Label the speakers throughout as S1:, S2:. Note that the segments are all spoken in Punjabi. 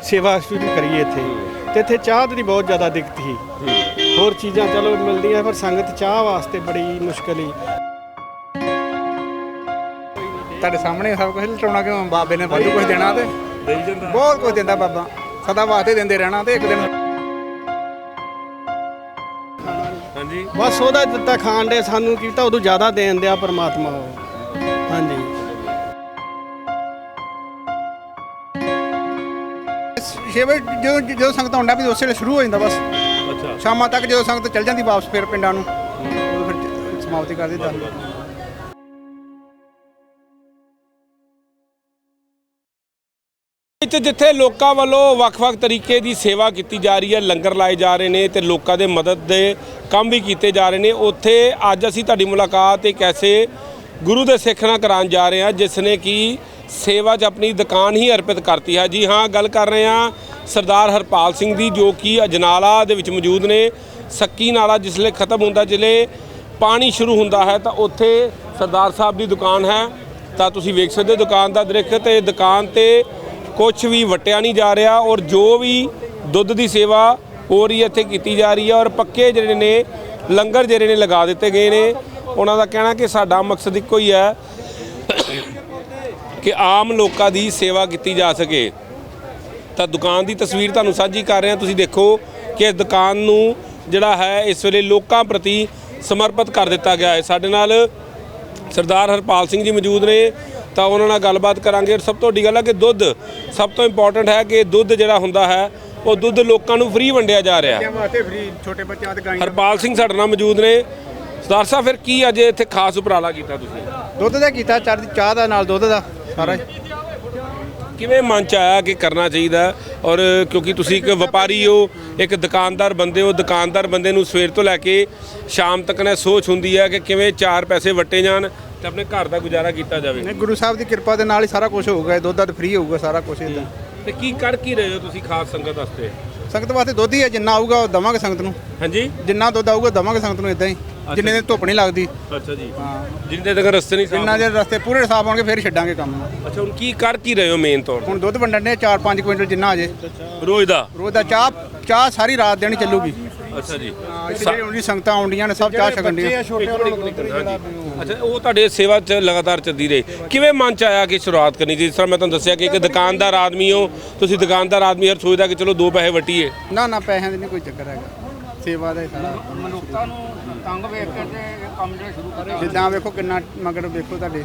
S1: ਸੇਵਾ ਸ਼ੁਰੂ ਕਰੀਏ ਇੱਥੇ। ਤੇ ਇੱਥੇ ਚਾਹ ਦੀ ਬਹੁਤ ਜ਼ਿਆਦਾ ਦਿੱਕਤ ਸੀ, ਹੋਰ ਚੀਜ਼ਾਂ ਚਲੋ ਮਿਲਦੀਆਂ ਪਰ ਸੰਗਤ ਚਾਹ ਵਾਸਤੇ ਬੜੀ ਮੁਸ਼ਕਲ ਹੀ।
S2: ਤੁਹਾਡੇ ਸਾਹਮਣੇ ਸਭ ਕੁਝ ਲਟਾਉਣਾ ਕਿਉਂ? ਬਾਬੇ ਨੇ ਵਾਧੂ ਕੁਝ ਦੇਣਾ ਤੇ ਦੇਈ ਜਾਂਦਾ, ਬਹੁਤ ਕੁਝ ਦਿੰਦਾ ਬਾਬਾ, ਸਦਾ ਵਾਸਤੇ ਦਿੰਦੇ ਰਹਿਣਾ ਤੇ ਇੱਕ ਦਿਨ।
S3: ਹਾਂਜੀ,
S1: ਬਸ ਉਹਦਾ ਦਿੱਤਾ ਖਾਣ ਦੇ ਸਾਨੂੰ ਕੀਤਾ ਉਦੋਂ ਜ਼ਿਆਦਾ ਦੇਣ ਦਿਆ ਪਰਮਾਤਮਾ ਉਹ। ਹਾਂਜੀ
S2: 6 ਵਜੇ ਜਦੋਂ ਸੰਗਤ ਆਉਂਦਾ ਵੀ ਉਸੇ ਵੇਲੇ ਸ਼ੁਰੂ ਹੋ ਜਾਂਦਾ ਬਸ।
S3: ਅੱਛਾ,
S2: ਸ਼ਾਮਾਂ ਤੱਕ ਜਦੋਂ ਸੰਗਤ ਚੱਲ ਜਾਂਦੀ ਵਾਪਸ ਫਿਰ ਪਿੰਡਾਂ ਨੂੰ, ਉਦੋਂ ਫਿਰ ਸਮਾਪਤੀ ਕਰ ਦਿੱਤਾ।
S3: ਜਿੱਥੇ ਲੋਕਾਂ ਵੱਲੋਂ ਵੱਖ-ਵੱਖ ਤਰੀਕੇ ਦੀ ਸੇਵਾ ਕੀਤੀ ਜਾ ਰਹੀ ਹੈ, ਲੰਗਰ ਲਾਏ ਜਾ ਰਹੇ ਨੇ ਤੇ ਲੋਕਾਂ ਦੇ ਮਦਦ ਦੇ ਕੰਮ ਵੀ ਕੀਤੇ ਜਾ ਰਹੇ ਨੇ, ਉੱਥੇ ਅੱਜ ਅਸੀਂ ਤੁਹਾਡੀ ਮੁਲਾਕਾਤ ਇੱਕ ਐਸੇ ਗੁਰੂ ਦੇ ਸਿੱਖ ਨਾਲ ਕਰਾਉਣ ਜਾ ਰਹੇ ਹਾਂ ਜਿਸ ਨੇ ਕਿ ਸੇਵਾ 'ਚ ਆਪਣੀ ਦੁਕਾਨ ਹੀ ਅਰਪਿਤ ਕਰਤੀ ਹੈ। ਜੀ ਹਾਂ, ਗੱਲ ਕਰ ਰਹੇ ਹਾਂ ਸਰਦਾਰ ਹਰਪਾਲ ਸਿੰਘ ਦੀ, ਜੋ ਕਿ ਅਜਨਾਲਾ ਦੇ ਵਿੱਚ ਮੌਜੂਦ ਨੇ। ਸੱਕੀ ਨਾਲਾ ਜਿਸਲੇ ਖਤਮ ਹੁੰਦਾ, ਜਿਸਲੇ ਪਾਣੀ ਸ਼ੁਰੂ ਹੁੰਦਾ ਹੈ ਤਾਂ ਉੱਥੇ ਸਰਦਾਰ ਸਾਹਿਬ ਦੀ ਦੁਕਾਨ ਹੈ। ਤਾਂ ਤੁਸੀਂ ਵੇਖ ਸਕਦੇ ਹੋ ਦੁਕਾਨ ਦਾ ਦ੍ਰਿਸ਼, ਤੇ ਦੁਕਾਨ 'ਤੇ ਕੁਛ ਵੀ ਵਟਿਆ ਨਹੀਂ ਜਾ ਰਿਹਾ ਔਰ ਜੋ ਵੀ ਦੁੱਧ ਦੀ ਸੇਵਾ ਹੋ ਰਹੀ ਹੈ ਇੱਥੇ ਕੀਤੀ ਜਾ ਰਹੀ ਹੈ। ਔਰ ਪੱਕੇ ਜਿਹੜੇ ਨੇ ਲੰਗਰ ਜਿਹੜੇ ਨੇ ਲਗਾ ਦਿੱਤੇ ਗਏ ਨੇ। ਉਹਨਾਂ ਦਾ ਕਹਿਣਾ ਕਿ ਸਾਡਾ ਮਕਸਦ ਇੱਕੋ ਹੀ ਹੈ ਕਿ ਆਮ ਲੋਕਾਂ ਦੀ ਸੇਵਾ ਕੀਤੀ ਜਾ ਸਕੇ। ਤਾਂ ਦੁਕਾਨ ਦੀ ਤਸਵੀਰ ਤੁਹਾਨੂੰ ਸਾਂਝੀ ਕਰ ਰਹੇ ਹਾਂ। ਤੁਸੀਂ ਦੇਖੋ ਕਿ ਇਸ ਦੁਕਾਨ ਨੂੰ ਜਿਹੜਾ ਹੈ ਇਸ ਵੇਲੇ ਲੋਕਾਂ ਪ੍ਰਤੀ ਸਮਰਪਿਤ ਕਰ ਦਿੱਤਾ ਗਿਆ ਹੈ। ਸਾਡੇ ਨਾਲ ਸਰਦਾਰ ਹਰਪਾਲ ਸਿੰਘ ਜੀ ਮੌਜੂਦ ਨੇ, ਤਾਂ ਉਹਨਾਂ ਨਾਲ ਗੱਲਬਾਤ ਕਰਾਂਗੇ। ਸਭ ਤੋਂ ਵੱਡੀ ਗੱਲ ਹੈ ਕਿ ਦੁੱਧ ਸਭ ਤੋਂ ਇੰਪੋਰਟੈਂਟ ਹੈ ਕਿ ਦੁੱਧ ਜਿਹੜਾ ਹੁੰਦਾ ਹੈ ਉਹ ਦੁੱਧ ਲੋਕਾਂ ਨੂੰ ਫ੍ਰੀ ਵੰਡਿਆ ਜਾ ਰਿਹਾ।
S2: ਛੋਟੇ ਬੱਚਿਆਂ ਤੇ ਗਾਂ।
S3: ਹਰਪਾਲ ਸਿੰਘ ਸਾਡੇ ਨਾਲ ਮੌਜੂਦ ਨੇ। ਸਰਦਾਰ ਸਾਹਿਬ, ਫਿਰ ਕੀ ਅੱਜ ਇੱਥੇ ਖਾਸ ਉਪਰਾਲਾ ਕੀਤਾ ਤੁਸੀਂ?
S2: ਦੁੱਧ ਦਾ ਕੀਤਾ, ਚਾਹ ਦਾ ਨਾਲ ਦੁੱਧ ਦਾ ਸਾਰਾ।
S3: ਕਿਵੇਂ ਮਨ 'ਚ ਆਇਆ ਕਿ ਕਰਨਾ ਚਾਹੀਦਾ? ਔਰ ਕਿਉਂਕਿ ਤੁਸੀਂ ਇੱਕ ਵਪਾਰੀ ਹੋ, ਇੱਕ ਦੁਕਾਨਦਾਰ ਬੰਦੇ ਹੋ, ਦੁਕਾਨਦਾਰ ਬੰਦੇ ਨੂੰ ਸਵੇਰ ਤੋਂ ਲੈ ਕੇ ਸ਼ਾਮ ਤੱਕ ਨੇ ਸੋਚ ਹੁੰਦੀ ਹੈ ਕਿ ਕਿਵੇਂ 4 ਪੈਸੇ ਵਟੇ ਜਾਣ ਤੇ ਆਪਣੇ ਘਰ ਦਾ ਗੁਜ਼ਾਰਾ ਕੀਤਾ ਜਾਵੇ।
S2: ਨਹੀਂ, ਗੁਰੂ ਸਾਹਿਬ ਦੀ ਕਿਰਪਾ ਦੇ ਨਾਲ ਹੀ ਸਾਰਾ ਕੁਝ ਹੋਊਗਾ। ਦੁੱਧ ਦਾ ਫ੍ਰੀ ਹੋਊਗਾ ਸਾਰਾ ਕੁਝ ਇੱਦਾਂ।
S3: ਤੇ ਕੀ ਕਰ ਕੀ ਰਹੇ ਹੋ ਤੁਸੀਂ ਖਾਸ ਸੰਗਤ ਵਾਸਤੇ?
S2: ਸੰਗਤ ਵਾਸਤੇ ਦੁੱਧ ਹੀ ਹੈ, ਜਿੰਨਾ ਆਊਗਾ ਉਹ ਦੇਵਾਂਗੇ ਸੰਗਤ ਨੂੰ।
S3: ਹਾਂਜੀ,
S2: ਜਿੰਨਾ ਦੁੱਧ ਆਊਗਾ ਦੇਵਾਂਗੇ ਸੰਗਤ ਨੂੰ ਇੱਦਾਂ ਹੀ, ਜਿੰਨੇ ਦਿਨ ਧੁੱਪ ਨਹੀਂ ਲੱਗਦੀ।
S3: ਅੱਛਾ ਜੀ,
S2: ਹਾਂ,
S3: ਜਿੰਨੇ ਤੱਕ ਰਸਤੇ ਨਹੀਂ
S2: ਜਿੰਨਾ ਜੇ ਰਸਤੇ ਪੂਰੇ ਸਾਫ ਹੋਣਗੇ ਫਿਰ ਛੱਡਾਂਗੇ ਕੰਮ ਨੂੰ।
S3: ਅੱਛਾ, ਹੁਣ ਕੀ ਕਰ ਕੀ ਰਹੇ ਹੋ ਮੇਨ ਤੌਰ
S2: ਹੁਣ ਦੁੱਧ ਵੰਡਣ ਦੇ 4-5 ਕੁਇੰਟਲ ਜਿੰਨਾ ਆ ਜੇ
S3: ਰੋਜ਼ ਦਾ?
S2: ਰੋਜ਼ ਦਾ। ਚਾਹ ਸਾਰੀ ਰਾਤ ਦੇਣੀ ਚੱਲੂਗੀ।
S3: ਅੱਛਾ ਜੀ,
S2: ਜਿਹੜੇ ਉਹਦੀ ਸੰਗਤਾਂ ਆਉਂਦੀਆਂ ਨੇ ਸਭ ਚਾਹ ਛਕਣ ਦੀਆਂ।
S3: ਅੱਛਾ, ਉਹ ਤੁਹਾਡੇ ਸੇਵਾ 'ਚ ਲਗਾਤਾਰ ਚੱਲਦੀ ਰਹੀ। ਕਿਵੇਂ ਮਨ 'ਚ ਆਇਆ ਕਿ ਸ਼ੁਰੂਆਤ ਕਰਨੀ? ਜਿਸ ਤਰ੍ਹਾਂ ਮੈਂ ਤੁਹਾਨੂੰ ਦੱਸਿਆ ਕਿ ਇੱਕ ਦੁਕਾਨਦਾਰ ਆਦਮੀ ਹੋ ਤੁਸੀਂ, ਦੁਕਾਨਦਾਰ ਆਦਮੀ ਹਰ ਸੋਚਦਾ ਕਿ ਚਲੋ 2 ਪੈਸੇ ਵਟੀਏ।
S2: ਨਾ ਪੈਸਿਆਂ ਦੀ ਨਹੀਂ ਕੋਈ ਚੱਕਰ ਹੈਗਾ, ਸੇਵਾ ਦਾ ਹੀ ਸਾਰਾ। ਮਨੁੱਖਤਾ ਨੂੰ ਤੰਗ ਵੇਖ ਕੇ ਤੇ ਕੰਮ ਜਿਹੜਾ ਸ਼ੁਰੂ ਕਰਿਆ। ਜਿੱਦਾਂ ਵੇਖੋ ਕਿੰਨਾ ਮਗਰ ਵੇਖੋ ਤੁਹਾਡੇ।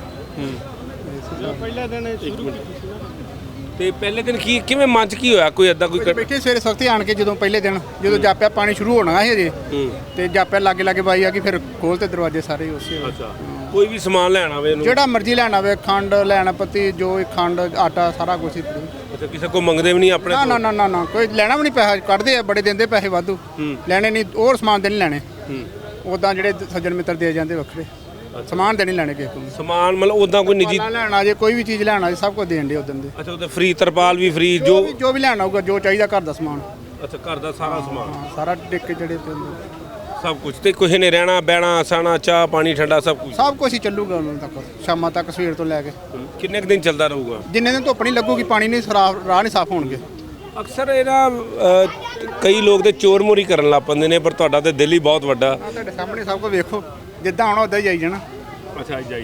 S1: ਪਹਿਲੇ ਦਿਨ ਸ਼ੁਰੂ
S3: ਤੇ ਪਹਿਲੇ ਦਿਨ ਕਿਵੇਂ ਮਨ 'ਚ ਕੀ ਹੋਇਆ? ਕੋਈ ਏਦਾਂ ਕੋਈ
S2: ਬੈਠੇ ਸਵੇਰੇ ਸਖਤੀ ਆਣ ਕੇ ਜਦੋਂ ਪਹਿਲੇ ਦਿਨ ਜਦੋਂ ਜਾਪਿਆ ਪਾਣੀ ਸ਼ੁਰੂ ਹੋਣਾ ਸੀ ਅਜੇ, ਤੇ ਜਾਪਿਆ ਲਾਗੇ ਬਾਈ ਆ ਕਿ ਫਿਰ ਖੋਲ ਤੇ ਦਰਵਾਜ਼ੇ ਸਾਰੇ ਉਸੇ।
S3: ਅੱਛਾ, ਕੋਈ ਵੀ ਸਮਾਨ ਲੈਣ ਆਵੇ ਇਹਨੂੰ
S2: ਜਿਹੜਾ ਮਰਜ਼ੀ ਲੈਣ ਆਵੇ, ਖੰਡ ਲੈਣ ਪੱਤੀ ਜੋ ਖੰਡ ਆਟਾ ਸਾਰਾ ਕੁਝ ਹੀ।
S3: ਅੱਛਾ, ਕਿਸੇ ਕੋ ਮੰਗਦੇ ਵੀ ਨਹੀਂ ਆਪਣੇ?
S2: ਨਾ ਕੋਈ ਲੈਣਾ ਵੀ ਨਹੀਂ, ਪੈਸਾ ਕੱਢਦੇ ਆ, ਬੜੇ ਦਿੰਦੇ ਪੈਸੇ ਵਾਧੂ। ਲੈਣੇ ਨਹੀਂ, ਹੋਰ ਸਮਾਨ ਦੇ ਨਹੀਂ ਲੈਣੇ। ਉਦਾਂ ਜਿਹੜੇ ਸੱਜਣ ਮਿੱਤਰ ਦੇ ਜਾਂਦੇ ਵੱਖਰੇ, ਸਮਾਨ ਦੇ ਨਹੀਂ ਲੈਣੇ ਕਿਸੇ ਨੂੰ।
S3: ਸਮਾਨ ਮਤਲਬ ਉਦਾਂ ਕੋਈ ਨਿੱਜੀ
S2: ਲੈਣਾ ਜੇ ਕੋਈ ਵੀ ਚੀਜ਼ ਲੈਣਾ ਜੇ ਸਭ ਕੁਝ ਦੇਣ ਦੇ ਉਦੋਂ ਦੇ।
S3: ਅੱਛਾ, ਉਹਦੇ ਫ੍ਰੀ ਤਰਪਾਲ ਵੀ ਫ੍ਰੀ, ਜੋ
S2: ਵੀ ਲੈਣਾ ਹੋਊਗਾ, ਜੋ ਚਾਹੀਦਾ ਘਰ ਦਾ ਸਮਾਨ।
S3: ਅੱਛਾ, ਘਰ ਦਾ ਸਾਰਾ ਸਮਾਨ
S2: ਸਾਰਾ ਟਿੱਕੇ ਜਿਹੜੇ
S3: ਸਭ ਕੁਝ। ਤੇ ਕਿਸੇ ਨੇ ਰਹਿਣਾ ਬਹਿਣਾ ਸਾਣਾ ਚਾਹ ਪਾਣੀ ਠੰਡਾ ਸਭ
S2: ਕੁਝ ਹੀ ਚੱਲੂਗਾ ਉਹਨਾਂ ਤੱਕ, ਸ਼ਾਮਾਂ ਤੱਕ, ਸਵੇਰ ਤੋਂ ਲੈ ਕੇ।
S3: ਕਿੰਨੇ ਕੁ ਦਿਨ ਚੱਲਦਾ ਰਹੂਗਾ?
S2: ਜਿੰਨੇ ਦਿਨ ਧੁੱਪ ਨਹੀਂ ਲੱਗੂਗੀ, ਪਾਣੀ ਨਹੀਂ ਰਾਹ ਨਹੀਂ ਸਾਫ਼ ਹੋਣਗੇ।
S3: ਅਕਸਰ ਇਹਦਾ ਕਈ ਲੋਕ ਤੇ ਚੋਰ ਮੋਰੀ ਕਰਨ ਲੱਗ ਪੈਂਦੇ ਨੇ, ਪਰ ਤੁਹਾਡਾ ਤੇ ਦਿਲ ਹੀ ਬਹੁਤ ਵੱਡਾ।
S2: ਤੁਹਾਡੇ ਸਾਹਮਣੇ ਸਭ ਕੁਝ ਵੇਖੋ, ਜਿੱਦਾਂ ਆਉਣਾ ਉਦਾਂ ਹੀ ਆਈ ਜਾਣਾ।
S3: ਅੱਛਾ, ਜਾਈ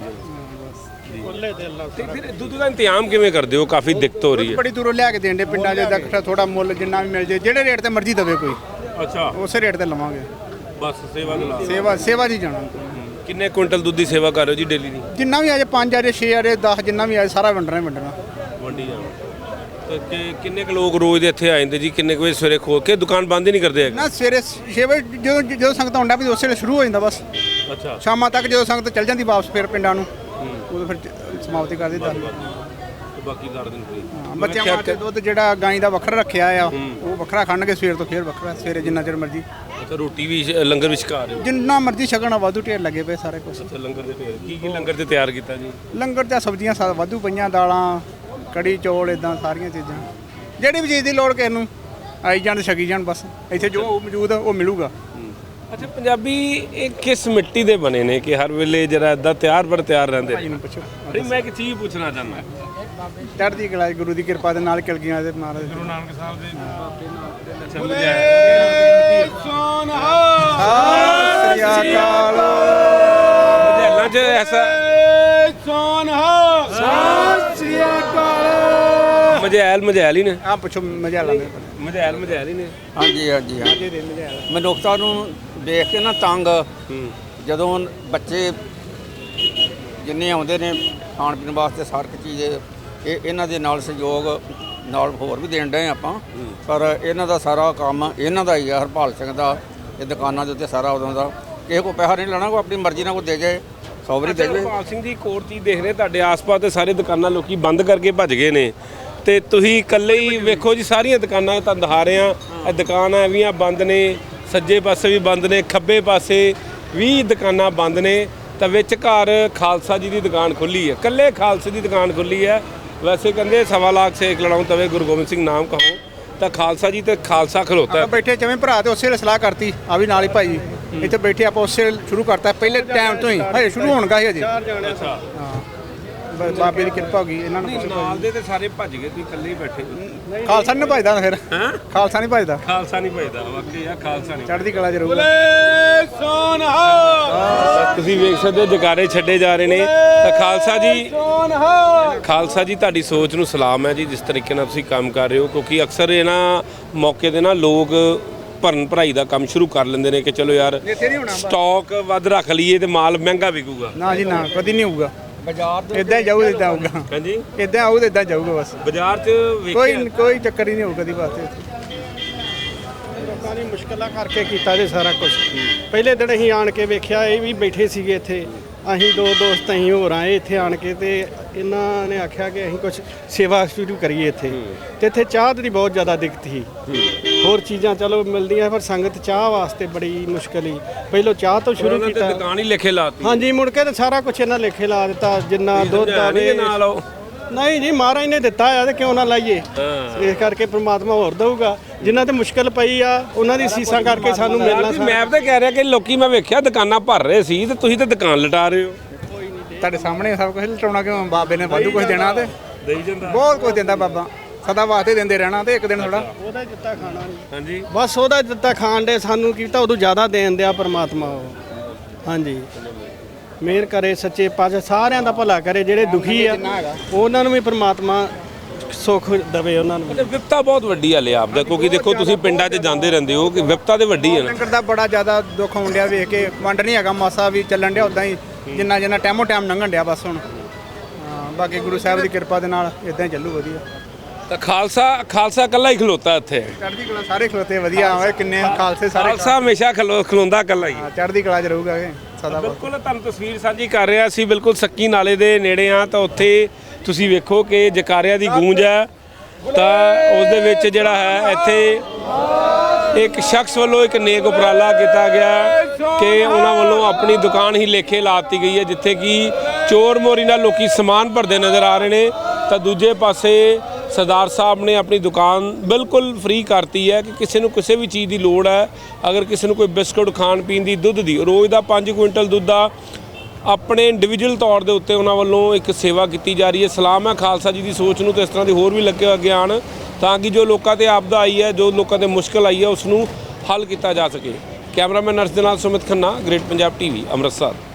S3: ਤੇ ਫਿਰ ਦੁੱਧ ਦਾ ਇੰਤਜ਼ਾਮ ਕਿਵੇਂ ਕਰਦੇ ਹੋ? ਕਾਫੀ ਦਿੱਕਤ ਹੋ ਰਹੀ ਹੈ।
S2: ਬੜੀ ਦੂਰੋਂ ਲਿਆ ਕੇ ਦੇਣ ਪਿੰਡਾਂ 'ਚ ਦਾ ਥੋੜਾ ਮੁੱਲ ਜਿੰਨਾ ਵੀ ਮਿਲ ਜੇ, ਜਿਹੜੇ ਰੇਟ ਤੇ ਮਰਜ਼ੀ ਦੇਵੇ ਕੋਈ,
S3: ਅੱਛਾ
S2: ਉਸੇ ਰੇਟ ਤੇ ਲਵਾਂਗੇ।
S3: ਬਸ ਸੇਵਾ
S2: ਜੀ ਜਾਣਾ।
S3: ਕਿੰਨੇ ਕੁਇੰਟਲ ਦੁੱਧ ਦੀ ਸੇਵਾ ਕਰ ਰਹੇ ਹੋ ਜੀ ਡੇਲੀ ਦੀ?
S2: ਜਿੰਨਾ ਵੀ ਆ ਜੇ 5 ਆ ਜੇ 6 ਆ ਜੇ 10 ਜਿੰਨਾ ਵੀ ਆ ਸਾਰਾ ਵੰਡਣਾ
S3: ਵੰਡੀ ਜਾਣਾ। ਤੇ ਕਿੰਨੇ ਕੁ ਲੋਕ ਰੋਜ਼ ਦੇ ਇੱਥੇ ਆ ਜਾਂਦੇ ਜੀ? ਕਿੰਨੇ ਕੁ ਵਜੇ ਸਵੇਰੇ ਖੋਲ ਕੇ ਦੁਕਾਨ ਬੰਦ ਹੀ ਨਹੀਂ ਕਰਦੇ ਹੈਗੇ?
S2: ਨਾ, ਸਵੇਰੇ 6 ਵਜੇ ਜਦੋਂ ਸੰਗਤ ਆਉਂਦਾ ਵੀ ਉਸੇ ਵੇਲੇ ਸ਼ੁਰੂ ਹੋ ਜਾਂਦਾ ਬਸ।
S3: ਅੱਛਾ,
S2: ਸ਼ਾਮਾਂ ਤੱਕ ਜਦੋਂ ਸੰਗਤ ਚੱਲ ਜਾਂਦੀ ਵਾਪਸ ਫਿਰ ਪਿੰਡਾਂ ਨੂੰ, ਉਦੋਂ ਫਿਰ ਸਮਾਪਤੀ ਕਰ ਦਿੱਤਾ।
S3: ਬਾਕੀ ਕਰ ਦਿਨ ਫ੍ਰੀ।
S2: ਬੱਚਿਆਂ ਵਾਸਤੇ ਦੁੱਧ ਜਿਹੜਾ ਗਾਂ ਦਾ ਵੱਖਰਾ ਰੱਖਿਆ ਆ, ਉਹ ਵੱਖਰਾ ਖਾਣਗੇ ਸਵੇਰ ਤੋਂ, ਫਿਰ ਵੱਖਰਾ ਸਵੇਰੇ ਜਿੰਨਾ ਚਿਰ ਮਰਜ਼ੀ।
S3: ਅੱਛਾ, ਰੋਟੀ ਵੀ ਲੰਗਰ ਵਿੱਚ ਖਾ ਰਹੇ ਹੋ?
S2: ਜਿੰਨਾ ਮਰਜ਼ੀ ਛਕਣਾ, ਵਾਧੂ ਢੇਰ ਲੱਗੇ ਪਏ ਸਾਰੇ ਕੁਝ।
S3: ਅੱਛਾ, ਲੰਗਰ ਦੇ ਢੇਰ ਕੀ ਲੰਗਰ ਤੇ ਤਿਆਰ ਕੀਤਾ ਜੀ?
S2: ਲੰਗਰ 'ਚ ਸਬਜ਼ੀਆਂ ਵਾਧੂ ਪਈਆਂ, ਦਾਲਾਂ, ਕੜੀ ਚੌਲ, ਇਦਾਂ ਸਾਰੀਆਂ ਚੀਜ਼ਾਂ। ਜਿਹੜੀ ਵੀ ਚੀਜ਼ ਦੀ ਲੋੜ ਕਿਸੇ ਨੂੰ ਆਈ ਜਾਣ ਤੇ ਛਕੀ ਜਾਣ, ਬਸ ਇੱਥੇ ਜੋ ਮੌਜੂਦ ਆ ਉਹ ਮਿਲੂਗਾ।
S3: ਅੱਛਾ, ਪੰਜਾਬੀ ਇਹ ਕਿਸ ਮਿੱਟੀ ਦੇ ਬਣੇ ਨੇ ਕਿ ਹਰ ਵੇਲੇ ਜਿਹੜਾ ਇਦਾਂ ਤਿਆਰ ਰਹਿੰਦੇ?
S2: ਭਾਈ ਨੂੰ ਪੁੱਛੋ।
S3: ਨਹੀਂ, ਮੈਂ ਇੱਕ ਚੀਜ਼ ਪੁੱਛਣਾ ਚਾਹੁੰਦਾ
S2: ਚੜ੍ਹਦੀ ਕਲਾ ਗੁਰੂ ਦੀ ਕਿਰਪਾ ਦੇ ਨਾਲ ਕਲਗੀਆਂ ਦੇ ਮਹਾਰਾਜ
S3: ਗੁਰੂ ਨਾਨਕ ਸਾਹਿਬ ਦੇ ਬਾਬੇ ਨਾਨਕ ਦੇ
S2: ਸ੍ਰੀ ਅਕਾਲ
S3: ਮਜੈਲਾਂ 'ਚ ਐਸਾ
S2: ਸ੍ਰੀ ਅਕਾਲ
S3: ਮਜੈਲ ਹੀ ਨੇ
S2: ਆ ਪੁੱਛੋ ਮਜ਼ਾ ਲਾਵੇ
S3: ਮਜੈਲ ਹੀ ਨੇ।
S4: ਹਾਂਜੀ ਹਾਂਜੀ ਹਾਂਜੀ ਮਨੁੱਖਤਾ ਨੂੰ ਦੇਖ ਕੇ ਨਾ ਤੰਗ ਜਦੋਂ ਬੱਚੇ ਜਿੰਨੇ ਆਉਂਦੇ ਨੇ ਖਾਣ ਪੀਣ ਵਾਸਤੇ ਸਾਰ ਇੱਕ ਚੀਜ਼ ਇਹ ਇਹਨਾਂ ਦੇ ਨਾਲ ਸਹਿਯੋਗ ਨਾਲ ਹੋਰ ਵੀ ਦੇਣ ਡਏ ਆਪਾਂ ਪਰ ਇਹਨਾਂ ਦਾ ਸਾਰਾ ਕੰਮ ਇਹਨਾਂ ਦਾ ਹੀ ਆ ਹਰਪਾਲ ਸਿੰਘ ਦਾ ਇਹ ਦੁਕਾਨਾਂ ਦੇ ਉੱਤੇ ਸਾਰਾ ਉਦੋਂ ਦਾ ਕਿਸੇ ਕੋ ਪੈਸਾ ਨਹੀਂ ਲੈਣਾ ਕੋਈ ਆਪਣੀ ਮਰਜ਼ੀ ਨਾਲ ਕੋਈ ਦੇ ਜਾਏ 100 ਵਾਰੀ ਦੇ ਜਾਵੇ।
S3: ਹਰਪਾਲ ਸਿੰਘ ਦੀ ਇੱਕ ਹੋਰ ਚੀਜ਼ ਦੇਖ ਰਹੇ ਤੁਹਾਡੇ ਆਸ-ਪਾਸ ਤੇ ਸਾਰੇ ਦੁਕਾਨਾਂ ਲੋਕੀ ਬੰਦ ਕਰਕੇ ਭੱਜ ਗਏ ਨੇ ਤੇ ਤੁਸੀਂ ਇਕੱਲੇ ਹੀ ਵੇਖੋ ਜੀ ਸਾਰੀਆਂ ਦੁਕਾਨਾਂ ਤੁਹਾਨੂੰ ਦਿਖਾ ਰਹੇ ਆ ਇਹ ਦੁਕਾਨਾਂ ਵੀ ਬੰਦ ਨੇ ਸੱਜੇ ਪਾਸੇ ਵੀ ਬੰਦ ਨੇ ਖੱਬੇ ਪਾਸੇ ਵੀ ਦੁਕਾਨਾਂ ਬੰਦ ਨੇ ਤਾਂ ਵਿੱਚ ਘਰ ਖਾਲਸਾ ਜੀ ਦੀ ਦੁਕਾਨ ਖੁੱਲੀ ਹੈ ਇਕੱਲੇ ਖਾਲਸੇ ਦੀ ਦੁਕਾਨ ਖੁੱਲੀ ਹੈ। ਵੈਸੇ ਕਹਿੰਦੇ 1.25 ਲੱਖ ਸੇਕ ਲੜਾਉਂ ਤਵੇ ਗੁਰੂ ਗੋਬਿੰਦ ਸਿੰਘ ਨਾਮ ਕਹੋ ਤਾਂ ਖਾਲਸਾ ਜੀ ਤੇ ਖਾਲਸਾ ਖਲੋਤਾ ਹੈ।
S2: ਬੈਠੇ ਜਿਵੇਂ ਭਰਾ ਤੇ ਉਸੇ ਵੇਲੇ ਸਲਾਹ ਕਰਤੀ ਆ ਵੀ ਨਾਲ ਹੀ ਭਾਈ ਇੱਥੇ ਬੈਠੇ ਆਪਾਂ ਉਸੇ ਵੇਲੇ ਸ਼ੁਰੂ ਕਰਤਾ ਪਹਿਲੇ ਟਾਈਮ ਤੋਂ ਹੀ ਹਜੇ ਸ਼ੁਰੂ ਹੋਣਗਾ ਹੀ ਹਜੇ
S3: ਅੱਛਾ
S2: ਹਾਂ ਬਾਬੇ ਦੀ ਕਿਰਪਾ ਹੋ ਗਈ ਇਹਨਾਂ ਨੂੰ
S3: ਨਾਲ ਦੇ ਤੇ ਸਾਰੇ ਭੱਜ ਗਏ ਤੁਸੀਂ ਇਕੱਲੇ ਹੀ ਬੈਠੇ
S2: ਖਾਲਸਾ ਨਹੀਂ ਭਜਦਾ ਫਿਰ
S3: ਹੈਂ
S2: ਖਾਲਸਾ ਨਹੀਂ ਭਜਦਾ
S3: ਖਾਲਸਾ ਨਹੀਂ ਭਜਦਾ ਵਾਕਈ ਆ ਖਾਲਸਾ ਨਹੀਂ
S2: ਚੜ੍ਹਦੀ ਕਲਾ ਜ਼ਰੂਰ
S3: ਤੁਸੀਂ ਵੇਖ ਸਕਦੇ ਹੋ ਜਕਾਰੇ ਛੱਡੇ ਜਾ ਰਹੇ ਨੇ ਤਾਂ ਖਾਲਸਾ ਜੀ ਤੁਹਾਡੀ ਸੋਚ ਨੂੰ ਸਲਾਮ ਹੈ ਜੀ ਜਿਸ ਤਰੀਕੇ ਨਾਲ ਤੁਸੀਂ ਕੰਮ ਕਰ ਰਹੇ ਹੋ ਕਿਉਂਕਿ ਅਕਸਰ ਇਹਨਾਂ ਮੌਕੇ ਦੇ ਨਾ ਲੋਕ ਭਰਨ ਭਰਾਈ ਦਾ ਕੰਮ ਸ਼ੁਰੂ ਕਰ ਲੈਂਦੇ ਨੇ ਕਿ ਚਲੋ ਯਾਰ ਸਟਾਕ ਵੱਧ ਰੱਖ ਲਈਏ ਤੇ ਮਾਲ ਮਹਿੰਗਾ ਵਿਕੂਗਾ।
S2: ਨਾ ਜੀ ਨਾ ਕਦੀ ਨਹੀਂ ਹੋਊਗਾ
S4: ਬਾਜ਼ਾਰ
S2: ਇਦਾਂ ਹੀ ਜਾਊ ਇਦਾਂ ਆਊਗਾ
S3: ਹਾਂਜੀ
S2: ਇਦਾਂ ਆਊ ਤੇ ਇਦਾਂ ਜਾਊਗਾ ਬਸ
S3: ਬਾਜ਼ਾਰ 'ਚ
S2: ਕੋਈ ਚੱਕਰ ਹੀ ਨਹੀਂ ਹੋਊ ਕਦੀ ਵਾਸਤੇ
S1: ਲੋਕਾਂ ਨੇ ਮੁਸ਼ਕਲਾਂ ਕਰਕੇ ਕੀਤਾ ਜੇ ਸਾਰਾ ਕੁਝ ਪਹਿਲੇ ਦਿਨ ਅਸੀਂ ਆਣ ਕੇ ਵੇਖਿਆ ਇਹ ਵੀ ਬੈਠੇ ਸੀਗੇ ਇੱਥੇ ਅਸੀਂ ਦੋ ਦੋਸਤ ਅਸੀਂ ਹੋਰ ਆਏ ਇੱਥੇ ਆਣ ਕੇ ਤੇ ਇਹਨਾਂ ਨੇ ਆਖਿਆ ਕਿ ਅਸੀਂ ਕੁਝ ਸੇਵਾ ਸ਼ੁਰੂ ਕਰੀਏ ਇੱਥੇ ਤੇ ਇੱਥੇ ਚਾਹ ਦੀ ਬਹੁਤ ਜ਼ਿਆਦਾ ਦਿੱਕਤ ਸੀ ਹੋਰ ਚੀਜ਼ਾਂ ਚਲੋ ਮਿਲਦੀਆਂ ਪਰ ਸੰਗਤ ਚਾਹ ਵਾਸਤੇ ਬੜੀ ਮੁਸ਼ਕਲ ਹੀ ਪਹਿਲੋਂ ਚਾਹ ਤੋਂ ਸ਼ੁਰੂ ਕੀਤਾ
S3: ਦੁਕਾਨ ਹੀ ਲਿਖੇ ਲਾਤੀ
S1: ਹਾਂਜੀ ਮੁੜ ਕੇ ਤੇ ਸਾਰਾ ਕੁਝ ਇਹਨਾਂ ਲੇਖੇ ਲਾ ਦਿੱਤਾ ਜਿੰਨਾ ਦੁੱਧ ਆਵੇ
S3: ਨਾਲ ਆਓ
S1: ਨਹੀਂ ਜੀ ਮਹਾਰਾਜ ਨੇ ਦਿੱਤਾ ਆ ਤੇ ਕਿਉਂ ਨਾ ਲਾਈਏ ਇਸ ਕਰਕੇ ਪ੍ਰਮਾਤਮਾ ਹੋਰ ਦਊਗਾ ਜਿਨ੍ਹਾਂ ਤੇ ਮੁਸ਼ਕਲ ਪਈ ਆ ਉਹਨਾਂ ਦੀ ਸੀਸਾਂ ਕਰਕੇ ਸਾਨੂੰ ਮਿਲਣਾ
S3: ਮੈਂ ਤਾਂ ਕਹਿ ਰਿਹਾ ਕਿ ਲੋਕੀ ਮੈਂ ਵੇਖਿਆ ਦੁਕਾਨਾਂ ਭਰ ਰਹੇ ਸੀ ਤੇ ਤੁਸੀਂ ਤਾਂ ਦੁਕਾਨ ਲਟਾ ਰਹੇ ਹੋ।
S2: ਤੁਹਾਡੇ ਸਾਹਮਣੇ ਸਭ ਕੁਝ ਲਟਾਉਣਾ ਕਿਉਂ ਬਾਬੇ ਨੇ ਵਾਧੂ ਕੁਝ ਦੇਣਾ ਤੇ
S3: ਦੇਈ ਜਾਂਦਾ
S2: ਬਹੁਤ ਕੁਝ ਦਿੰਦਾ ਬਾਬਾ ਸਦਾ ਵਾਸਤੇ ਦਿੰਦੇ ਰਹਿਣਾ ਤੇ ਇੱਕ ਦਿਨ ਥੋੜਾ
S1: ਉਹਦਾ ਹੀ ਦਿੱਤਾ ਖਾਣਾ ਨਹੀਂ
S3: ਹਾਂਜੀ
S1: ਬਸ ਉਹਦਾ ਦਿੱਤਾ ਖਾਣ ਦੇ ਸਾਨੂੰ ਕੀਤਾ ਉਦੋਂ ਜ਼ਿਆਦਾ ਦੇਣ ਦਿਆ ਪਰਮਾਤਮਾ ਉਹ ਹਾਂਜੀ ਮਿਹਰ ਕਰੇ ਸੱਚੇ ਪਾਤਸ਼ਾਹ ਸਾਰਿਆਂ ਦਾ ਭਲਾ ਕਰੇ ਜਿਹੜੇ ਦੁਖੀ ਆ ਉਹਨਾਂ ਨੂੰ ਵੀ ਪਰਮਾਤਮਾ ਸੁੱਖ ਦੇਵੇ ਉਹਨਾਂ ਨੂੰ
S3: ਤੇ ਵਿਪਤਾ ਬਹੁਤ ਵੱਡੀ ਆ ਲਿਆ ਆਪਦਾ ਕਿਉਂਕਿ ਦੇਖੋ ਤੁਸੀਂ ਪਿੰਡਾਂ 'ਚ ਜਾਂਦੇ ਰਹਿੰਦੇ ਹੋ ਕਿ ਵਿਪਤਾ ਤੇ ਵੱਡੀ ਹੈ ਨਾ
S2: ਲੰਗਰ ਦਾ ਬੜਾ ਜ਼ਿਆਦਾ ਦੁੱਖ ਹੋਣ ਡਿਆ ਵੇਖ ਕੇ ਵੰਡ ਨਹੀਂ ਹੈਗਾ ਮਾਸਾ ਵੀ ਚੱਲਣ ਡਿਆ ਉਦਾਂ ਹੀ ਜਿੰਨਾ ਜਿੰਨਾ ਟਾਈਮੋ ਟਾਈਮ ਲੰਘਣ ਡਿਆ ਬਸ ਹੁਣ ਹਾਂ ਬਾਕੀ ਗੁਰੂ ਸਾਹਿਬ ਦੀ ਕਿਰਪਾ ਦੇ ਨਾਲ ਇਦਾਂ ਹੀ ਚੱਲੂ ਵਧੀਆ
S3: ਤਾਂ ਖਾਲਸਾ ਇਕੱਲਾ ਹੀ ਖਲੋਤਾ ਇੱਥੇ
S2: ਚੜ੍ਹਦੀ ਕਲਾ ਸਾਰੇ ਖਲੋਤੇ ਵਧੀਆ ਹੋਏ ਕਿੰਨੇ ਖਾਲਸੇ ਸਾਰੇ
S3: ਖਾਲਸਾ ਹਮੇਸ਼ਾ ਖਲੋਂਦਾ ਇਕੱਲਾ ਹੀ
S2: ਹਾਂ, ਚੜ੍ਹਦੀ ਕਲਾ ਚ ਰਹੂਗਾ ਇਹ ਸਦਾ
S3: ਬਿਲਕੁਲ ਤੁਹਾਨੂੰ ਤਸਵੀਰ ਸਾਂਝੀ ਕਰ ਰਿਹਾ ਸੀ ਬਿਲਕੁਲ ਸੱਕੀ ਨਾਲੇ ਦੇ ਨੇੜੇ ਆ ਤਾਂ ਉੱਥੇ ਤੁਸੀਂ ਵੇਖੋ ਕਿ ਜਕਾਰਿਆਂ ਦੀ ਗੂੰਜ ਹੈ ਤਾਂ ਉਸ ਦੇ ਵਿੱਚ ਜਿਹੜਾ ਹੈ ਇੱਥੇ ਇੱਕ ਸ਼ਖਸ ਵੱਲੋਂ ਇੱਕ ਨੇਕ ਉਪਰਾਲਾ ਕੀਤਾ ਗਿਆ ਕਿ ਉਹਨਾਂ ਵੱਲੋਂ ਆਪਣੀ ਦੁਕਾਨ ਹੀ ਲੇਖੇ ਲਾਤੀ ਗਈ ਹੈ ਜਿੱਥੇ ਕਿ ਚੋਰ ਮੋਰੀ ਨਾਲ ਲੋਕੀ ਸਮਾਨ ਭਰਦੇ ਨਜ਼ਰ ਆ ਰਹੇ ਨੇ ਤਾਂ ਦੂਜੇ ਪਾਸੇ ਸਰਦਾਰ ਸਾਹਿਬ ਨੇ ਆਪਣੀ ਦੁਕਾਨ ਬਿਲਕੁਲ ਫ੍ਰੀ ਕਰਤੀ ਹੈ ਕਿ ਕਿਸੇ ਨੂੰ ਕਿਸੇ ਵੀ ਚੀਜ਼ ਦੀ ਲੋੜ ਹੈ ਅਗਰ ਕਿਸੇ ਨੂੰ ਕੋਈ ਬਿਸਕੁਟ ਖਾਣ ਪੀਣ ਦੀ ਦੁੱਧ ਦੀ ਰੋਜ਼ ਦਾ 5 ਕੁਇੰਟਲ ਦੁੱਧ ਦਾ ਆਪਣੇ ਇੰਡੀਵਿਜੂਅਲ ਤੌਰ ਦੇ ਉੱਤੇ ਉਹਨਾਂ ਵੱਲੋਂ ਇੱਕ ਸੇਵਾ ਕੀਤੀ ਜਾ ਰਹੀ ਹੈ। ਸਲਾਮ ਹੈ ਖਾਲਸਾ ਜੀ ਦੀ ਸੋਚ ਨੂੰ ਤੇ ਇਸ ਤਰ੍ਹਾਂ ਦੀ ਹੋਰ ਵੀ ਲੱਗੇ ਅੱਗੇ ਆਉਣ ਤਾਂ ਕਿ ਜੋ ਲੋਕਾਂ ਤੇ ਆਪਦਾ ਆਈ ਹੈ ਜੋ ਲੋਕਾਂ ਤੇ ਮੁਸ਼ਕਲ ਆਈ ਹੈ ਉਸ ਨੂੰ ਹੱਲ ਕੀਤਾ ਜਾ ਸਕੇ। ਕੈਮਰਾਮੈਨ ਨਰਸ ਦੇ ਨਾਲ ਸੁਮਿਤ ਖੰਨਾ ਗ੍ਰੇਟ ਪੰਜਾਬ ਟੀਵੀ ਅੰਮ੍ਰਿਤਸਰ।